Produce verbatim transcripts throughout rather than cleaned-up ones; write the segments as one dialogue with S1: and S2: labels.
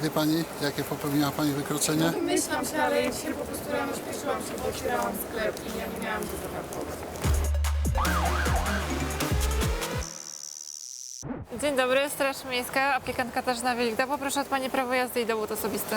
S1: Wie pani, jakie popełniła pani wykroczenie?
S2: Myślałam się, ale ja dzisiaj po prostu rano śpieszyłam się, bo otwierałam sklep i ja nie miałam go zaparkować.
S3: Dzień dobry, Straż Miejska, aplikant Katarzyna Wieligda. Poproszę od pani prawo jazdy i dowód osobisty.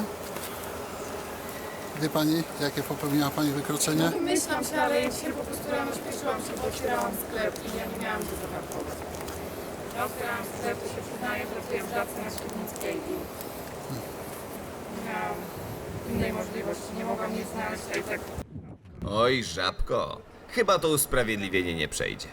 S1: Wie pani, jakie popełniła pani wykroczenie?
S2: Myślałam się, ale ja dzisiaj po prostu rano śpieszyłam się, bo otwierałam sklep i ja nie miałam go zaparkować. Ja otwierałam sklep, to się przyznaję, pracuję w pracy na Świdnickiej i nie miałam innej możliwości, nie mogłam nic znaleźć, a i tak.
S4: Oj, żabko, chyba to usprawiedliwienie nie przejdzie.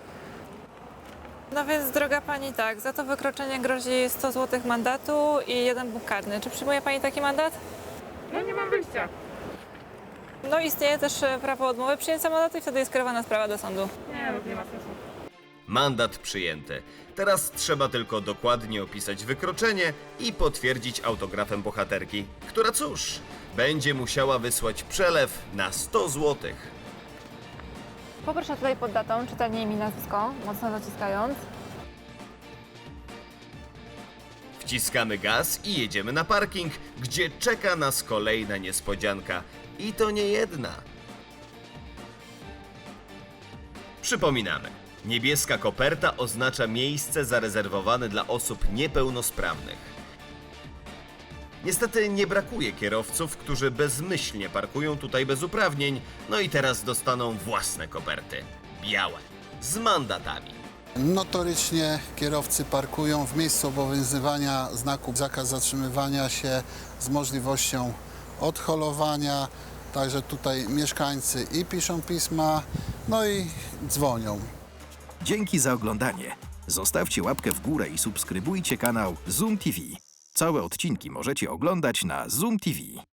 S3: No więc, droga pani, tak, za to wykroczenie grozi sto złotych mandatu i jeden punkt karny. Czy przyjmuje pani taki mandat?
S2: No nie mam wyjścia.
S3: No istnieje też e, prawo odmowy przyjęcia mandatu i wtedy jest kierowana sprawa do sądu.
S2: Nie, no nie ma sensu.
S4: Mandat przyjęty. Teraz trzeba tylko dokładnie opisać wykroczenie i potwierdzić autografem bohaterki, która cóż, będzie musiała wysłać przelew na sto złotych.
S3: Poproszę tutaj pod datą czytanie imię i nazwisko, mocno zaciskając.
S4: Wciskamy gaz i jedziemy na parking, gdzie czeka nas kolejna niespodzianka. I to nie jedna. Przypominamy, niebieska koperta oznacza miejsce zarezerwowane dla osób niepełnosprawnych. Niestety nie brakuje kierowców, którzy bezmyślnie parkują tutaj bez uprawnień, no i teraz dostaną własne koperty. Białe, z mandatami.
S1: Notorycznie kierowcy parkują w miejscu obowiązywania znaku zakaz zatrzymywania się z możliwością odholowania. Także tutaj mieszkańcy i piszą pisma, no i dzwonią.
S5: Dzięki za oglądanie. Zostawcie łapkę w górę i subskrybujcie kanał Zoom T V. Całe odcinki możecie oglądać na Zoom T V.